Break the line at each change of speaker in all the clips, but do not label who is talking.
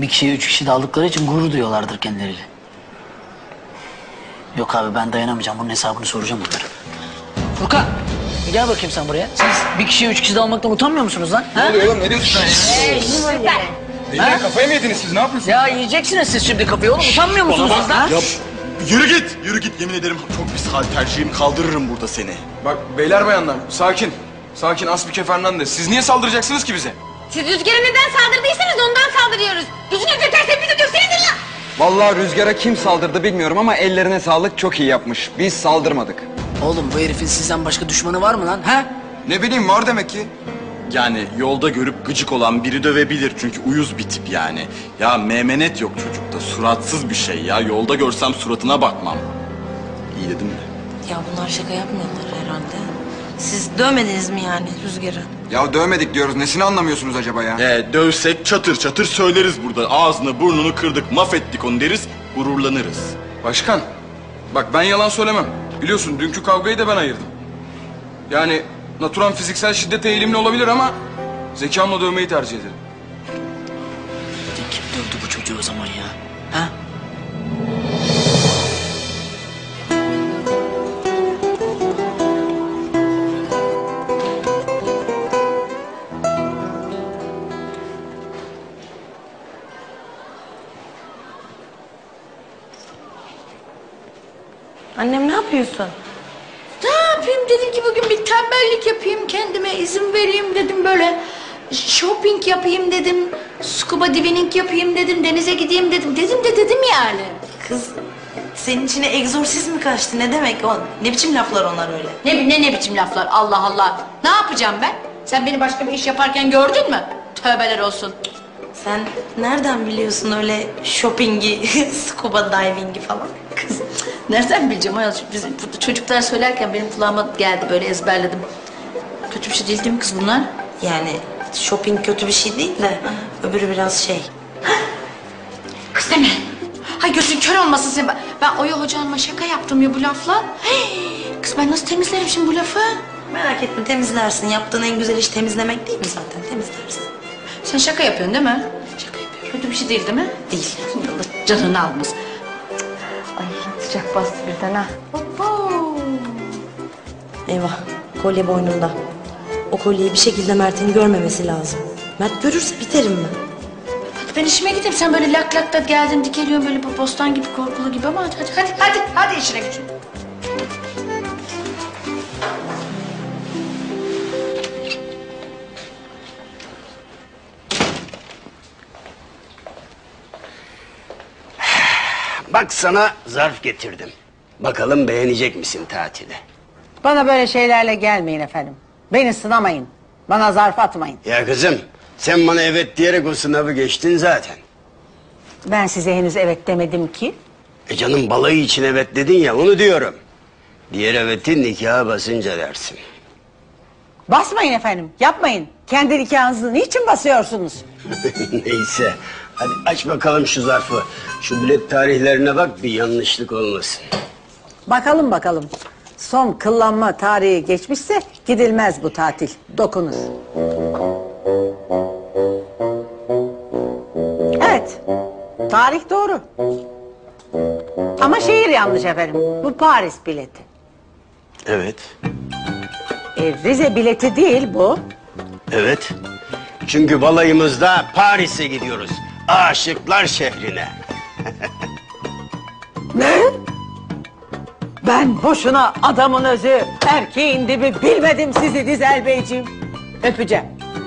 Bir kişiye 3 kişi de aldıkları için gurur duyuyorlardır kendileriyle. Yok abi ben dayanamayacağım. Bunun hesabını soracağım onlara. Furkan gel bakayım sen buraya. Siz bir kişiye 3 kişi de almaktan utanmıyor musunuz lan?
Ne oluyor oğlum? Ne diyorsun sen? Beyler kafayı mı yediniz siz? Ne yapıyorsunuz?
Ya yiyeceksiniz siz şimdi kafayı oğlum. Utanmıyor musunuz siz lan?
Ya yürü git, yürü git. Yemin ederim çok pis hal tercihim, kaldırırım burada seni.
Bak beyler bayanlar sakin. Sakin Aspike Fernandez. Siz niye saldıracaksınız ki bize?
Siz Rüzgar'a neden saldırdıysanız ondan saldırıyoruz. Gücünüz yeterse bizi dövseniz lan.
Vallahi Rüzgar'a kim saldırdı bilmiyorum ama ellerine sağlık, çok iyi yapmış. Biz saldırmadık.
Oğlum bu herifin sizden başka düşmanı var mı lan? Ha?
Ne bileyim var demek ki.
Yani yolda görüp gıcık olan biri dövebilir çünkü uyuz bir tip yani. Ya memenet yok çocukta, suratsız bir şey ya. Yolda görsem suratına bakmam. İyi dedim mi?
Ya bunlar şaka yapmıyorlar herhalde. Siz dövmediniz mi yani Rüzgar'ı?
Ya dövmedik diyoruz, nesini anlamıyorsunuz acaba ya?
Dövsek çatır çatır söyleriz burada. Ağzını burnunu kırdık, mahvettik onu deriz, gururlanırız.
Başkan. Bak ben yalan söylemem. Biliyorsun dünkü kavgayı da ben ayırdım. Yani natural fiziksel şiddete eğilimli olabilir ama zekamla dövmeyi tercih ederim.
Kim dövdü bu çocuğu o zaman ya? Ha?
Annem ne yapıyorsun?
Ne yapayım dedim ki bugün bir tembellik yapayım kendime izin vereyim dedim böyle. Shopping yapayım dedim. Scuba diving yapayım dedim. Denize gideyim dedim. Dedim yani.
Kız senin içine egzorsizm mi kaçtı? Ne demek o? Ne biçim laflar onlar öyle?
Ne biçim laflar Allah Allah. Ne yapacağım ben? Sen beni başka bir iş yaparken gördün mü? Tövbeler olsun.
Sen nereden biliyorsun öyle shopping'i, scuba diving'i falan?
Kız nereden bileceğim ayol? Biz burada çocuklar söylerken benim kulağıma geldi böyle ezberledim. Kötü bir şey değil mi kız bunlar?
Yani shopping kötü bir şey değil de öbürü biraz şey.
Kız deme. Hay gözün kör olmasın sen. Ben Oya Hoca Hanım'a şaka yaptım ya bu lafla. Kız ben nasıl temizlerim şimdi bu lafı?
Merak etme temizlersin. Yaptığın en güzel iş temizlemek değil mi zaten? Temizlersin.
Sen şaka yapıyorsun değil mi? Şaka yapıyorum. Kötü bir şey değil değil mi?
Değil.
Allah canını almasın. Ay sıcak bastı birden ha.
Eyvah. Kolye boynunda. O kolyeyi bir şekilde Mert'in görmemesi lazım. Mert görürse biterim ben.
Hadi ben işime gideyim. Sen böyle lak lak da geldin dikeliyorsun böyle bu bostan gibi korkulu gibi ama hadi işine gücüne.
Bak sana zarf getirdim. Bakalım beğenecek misin tatili?
Bana böyle şeylerle gelmeyin efendim. Beni sınamayın. Bana zarf atmayın.
Ya kızım sen bana evet diyerek o sınavı geçtin zaten.
Ben size henüz evet demedim ki.
Canım balayı için evet dedin ya onu diyorum. Diğer evetin nikaha basınca dersin.
Basmayın efendim. Yapmayın. Kendi nikahınızı niçin basıyorsunuz?
Neyse hadi aç bakalım şu zarfı. Şu bilet tarihlerine bak bir yanlışlık olmasın.
Bakalım. Son kıllanma tarihi geçmişse gidilmez bu tatil. Dokunur. Evet. Tarih doğru. Ama şehir yanlış efendim. Bu Paris bileti.
Evet.
Rize bileti değil bu.
Evet. Çünkü balayımızda Paris'e gidiyoruz. Aşıklar şehrine.
Ne? Ben boşuna adamın özü, erkeğin dibi bilmedim sizi Dizel Beyciğim. Öpeceğim.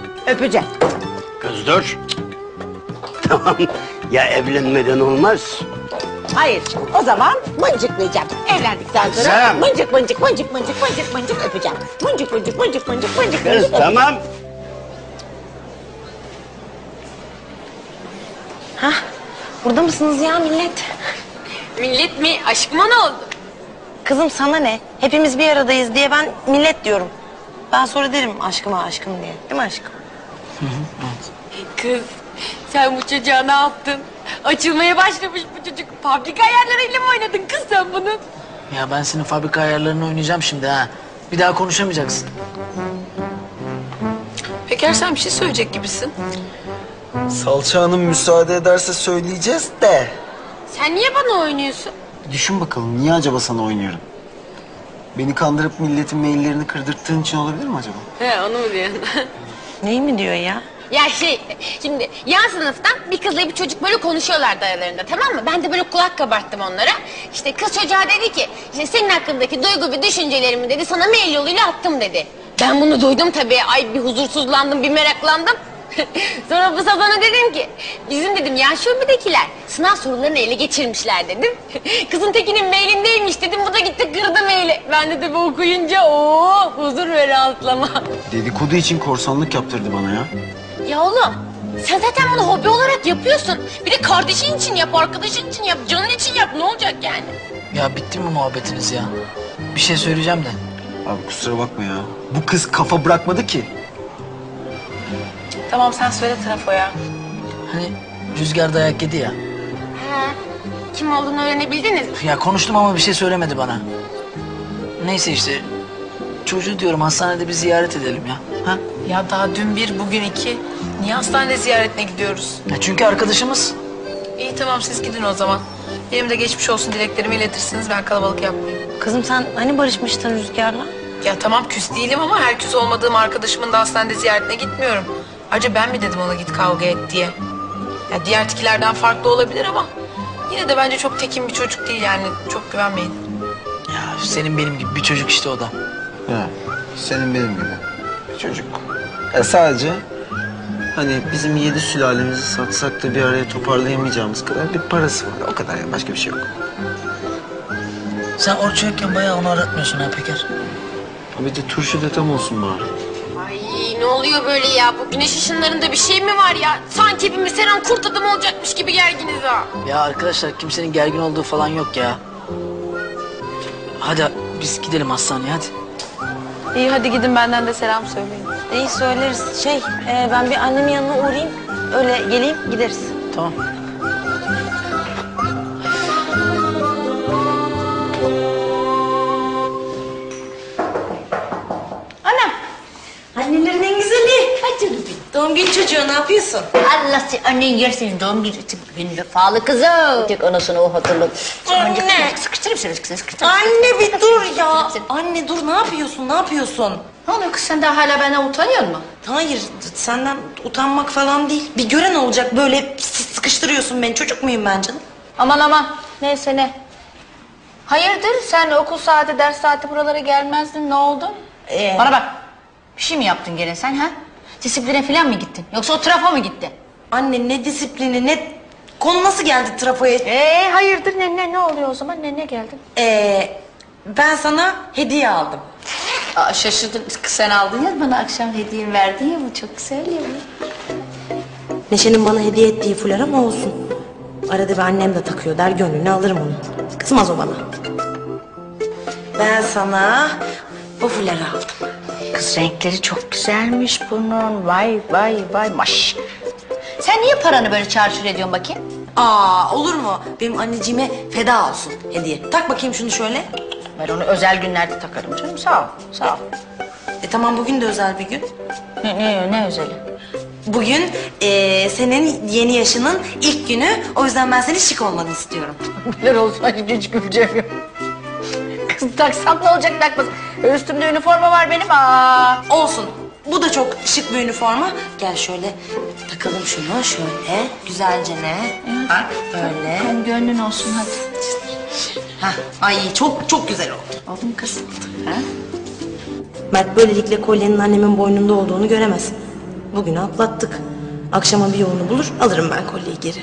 Kız dur. Tamam. Ya evlenmeden olmaz.
Hayır, o zaman mıncıklayacağım. Evlendikten sonra
Sen-
mıncık öpeceğim. Mıncık.
Kız tamam.
Hah. Burada mısınız ya millet?
Millet mi? Aşkıma ne oldu?
Kızım sana ne? Hepimiz bir aradayız diye ben millet diyorum. Ben sonra derim aşkım diye. Değil mi aşkım?
Kız sen bu çocuğa ne yaptın? Açılmaya başlamış bu çocuk. Fabrika ayarlarıyla mı oynadın kız sen bunu?
Ya ben senin fabrika ayarlarını oynayacağım şimdi ha. Bir daha konuşamayacaksın.
Peker sen bir şey söyleyecek gibisin.
Salça Hanım müsaade ederse söyleyeceğiz de.
Sen niye bana oynuyorsun?
Düşün bakalım niye acaba sana oynuyorum? Beni kandırıp milletin maillerini kırdırttığın için olabilir mi acaba?
He, onu mu diyorsun?
Neyi mi diyor ya?
Ya şimdi yan sınıftan bir kızla bir çocuk böyle konuşuyorlardı aralarında, tamam mı? Ben de böyle kulak kabarttım onlara. İşte kız çocuğa dedi ki, işte senin hakkındaki duygu ve düşüncelerimi dedi, sana mail yoluyla attım dedi. Ben bunu duydum tabii, ay bir huzursuzlandım, bir meraklandım. Sonra bu sabana dedim ki, bizim dedim yan şubedekiler sınav sorularını ele geçirmişler dedim. Kızın tekinin mailindeymiş dedim, bu da gitti kırdı maili. Ben de tabii okuyunca huzur ve rahatlama.
Dedikodu için korsanlık yaptırdı bana ya.
Ya oğlum, sen zaten bunu hobi olarak yapıyorsun. Bir de kardeşin için yap, arkadaşın için yap, canın için yap. Ne olacak yani?
Ya bitti mi muhabbetiniz ya? Bir şey söyleyeceğim de.
Abi kusura bakma ya. Bu kız kafa bırakmadı ki.
Tamam sen söyle trafoya.
Hani Rüzgar dayak yedi ya.
He, kim olduğunu öğrenebildiniz mi?
Ya konuştum ama bir şey söylemedi bana. Neyse işte. Çocuğu diyorum hastanede bir ziyaret edelim ya. Ha?
Ya daha dün bir, bugün iki. Niye hastane ziyaretine gidiyoruz?
Ya çünkü arkadaşımız.
İyi tamam siz gidin o zaman. Benim de geçmiş olsun dileklerimi iletirsiniz, ben kalabalık yapmayayım.
Kızım sen hani barışmıştın Rüzgar'la?
Ya tamam küs değilim ama her küs olmadığım arkadaşımın da hastanede ziyaretine gitmiyorum. Ayrıca ben mi dedim ona git kavga et diye. Ya diğer tikilerden farklı olabilir ama yine de bence çok tekin bir çocuk değil, yani çok güvenmeyin.
Ya senin benim gibi bir çocuk işte o da.
Ya senin benim gibi. Bir çocuk. Sadece hani bizim 7 sülalemizi satsak da bir araya toparlayamayacağımız kadar bir parası var. O kadar ya, başka bir şey yok.
Sen Orçu yokken bayağı onu aratmıyorsun ha Peker.
Bir de turşu da tam olsun bari.
Ay ne oluyor böyle ya? Bu güneş ışınlarında bir şey mi var ya? Sanki hepimiz her an kurt adam olacakmış gibi gerginiz ha.
Ya arkadaşlar kimsenin gergin olduğu falan yok ya. Hadi biz gidelim hastaneye hadi.
İyi hadi gidin, benden de selam söyleyin.
İyi söyleriz. Ben bir annemin yanına uğrayayım. Öyle geleyim gideriz.
Tamam.
Anam.
Annelerin en güzeli.
Hadi canım benim.
Doğum günü çocuğu ne yapıyorsun?
Allah seni annen yersin doğum günü vefalı kızım. Tek anasını o hatırladı.
Anne.
Sıkıştırayım seni sıkıştırayım.
Anne bir dur ya.
Seni.
Anne dur, ne yapıyorsun? Ne yapıyorsun?
Ne oluyor kız, sen daha hala benden utanıyor musun?
Hayır, senden utanmak falan değil. Bir gören olacak, böyle sıkıştırıyorsun beni. Çocuk muyum ben canım?
Aman neyse ne. Hayırdır sen okul saati ders saati buralara gelmezdin, ne oldu? Bana bak, bir şey mi yaptın gene sen ha? Disipline falan mı gittin yoksa o trafo mu gitti?
Anne ne disiplini, ne... Konu nasıl geldi trafoya?
Hayırdır ne oluyor o zaman, ne geldin?
Ben sana hediye aldım.
Aa, şaşırdım, sen aldın ya bana akşam hediye verdin ya, bu çok güzel ya.
Neşe'nin bana hediye ettiği fular ama olsun. Arada bir annem de takıyor der, gönlünü alırım onu. Kızmaz o bana. Ben sana bu fuları aldım.
Kız renkleri çok güzelmiş bunun, vay maş. Sen niye paranı böyle çarçur ediyorsun bakayım?
Olur mu? Benim anneciğime feda olsun hediye. Tak bakayım şunu şöyle.
Ben onu özel günlerde takarım canım, sağ ol.
Tamam, bugün de özel bir gün.
Ne özeli?
Bugün senin yeni yaşının ilk günü. O yüzden ben senin şık olmanı istiyorum.
Neler olsun, hiç güleceğim yok. Kız taksam ne olacak, takmasın. Üstümde üniforma var benim.
Olsun. Bu da çok şık bir üniforma. Gel şöyle takalım şunu şöyle. Güzelce ne? Bak böyle.
Senin gönlün olsun hadi.
Ay çok güzel oldu.
Oldu mu kız? Ha?
Mert böylelikle kolyenin annemin boynunda olduğunu göremez. Bugünü atlattık. Akşama bir yolunu bulur, alırım ben kolyeyi geri.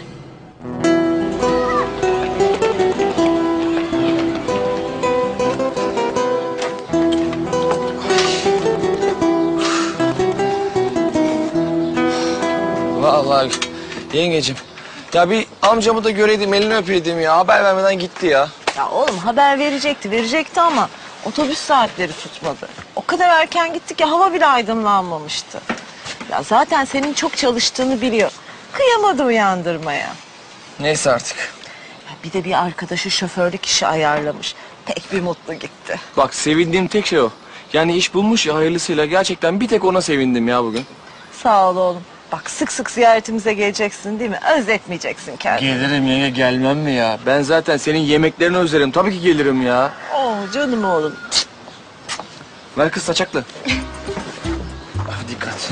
Vallahi yengecim. Ya bir amcamı da göreydim, elini öpeydim ya. Haber vermeden gitti ya.
Ya oğlum haber verecekti ama otobüs saatleri tutmadı. O kadar erken gitti ki hava bile aydınlanmamıştı. Ya zaten senin çok çalıştığını biliyor. Kıyamadı uyandırmaya.
Neyse artık.
Ya bir de bir arkadaşı şoförlük işi ayarlamış. Pek bir mutlu gitti.
Bak sevindiğim tek şey o. Yani iş bulmuş ya hayırlısıyla. Gerçekten bir tek ona sevindim ya bugün.
Sağ ol oğlum. Bak sık sık ziyaretimize geleceksin değil mi? Özletmeyeceksin kendini.
Gelirim yenge, gelmem mi ya? Ben zaten senin yemeklerini özlerim. Tabii ki gelirim ya.
Oo canım oğlum.
Ver kız saçaklı. Dikkat.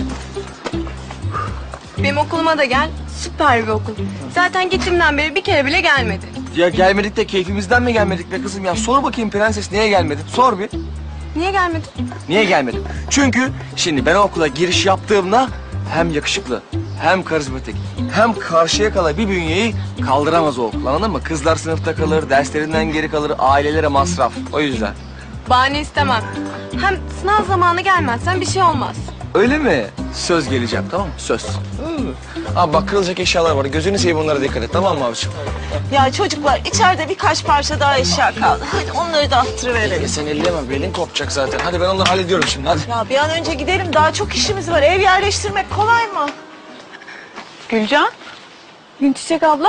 Benim okuluma da gel. Süper bir okul. Zaten gittiğimden beri bir kere bile gelmedi.
Ya gelmedik de keyfimizden mi gelmedik be kızım ya? Sor bakayım prenses, niye gelmedin? Sor bir.
Niye gelmedi?
Niye gelmedin? Çünkü şimdi ben o okula giriş yaptığımda hem yakışıklı, hem karizmatik, hem karşıya kala bir bünyeyi kaldıramaz o okul, anladın mı? Kızlar sınıfta kalır, derslerinden geri kalır, ailelere masraf. O yüzden.
Bahane istemem. Hem sınav zamanı gelmezsen bir şey olmaz.
Öyle mi? Söz geleceğim, tamam mı? Söz. Abi bak, kırılacak eşyalar var. Gözünü seveyim, onlara dikkat et, tamam mı abiciğim?
Ya çocuklar içeride birkaç parça daha eşya kaldı. Hadi onları da attırıverelim.
Sen elleme, belin kopacak zaten. Hadi ben onları hallediyorum şimdi, hadi.
Ya bir an önce gidelim. Daha çok işimiz var. Ev yerleştirmek kolay mı?
Gülcan? Günçiçek abla?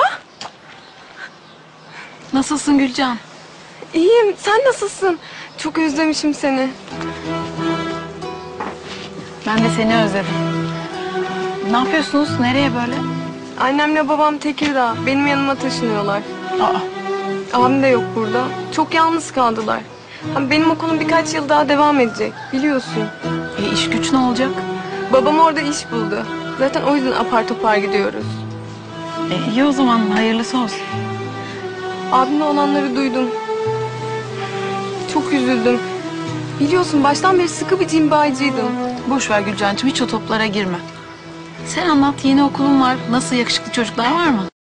Nasılsın Gülcan?
İyiyim. Sen nasılsın? Çok özlemişim seni.
Ben de seni özledim. Ne yapıyorsunuz? Nereye böyle?
Annemle babam Tekirdağ. Benim yanıma taşınıyorlar. Abim de yok burada. Çok yalnız kaldılar. Hem benim okulum birkaç yıl daha devam edecek. Biliyorsun.
İş güç ne olacak?
Babam orada iş buldu. Zaten o yüzden apar topar gidiyoruz.
İyi o zaman, hayırlısı olsun.
Abimle olanları duydum. Çok üzüldüm. Biliyorsun baştan beri sıkı bir cimbaycıydım.
Boş ver Gülcancığım, hiç o toplara girme. Sen anlat, yeni okulun var. Nasıl, yakışıklı çocuklar var mı?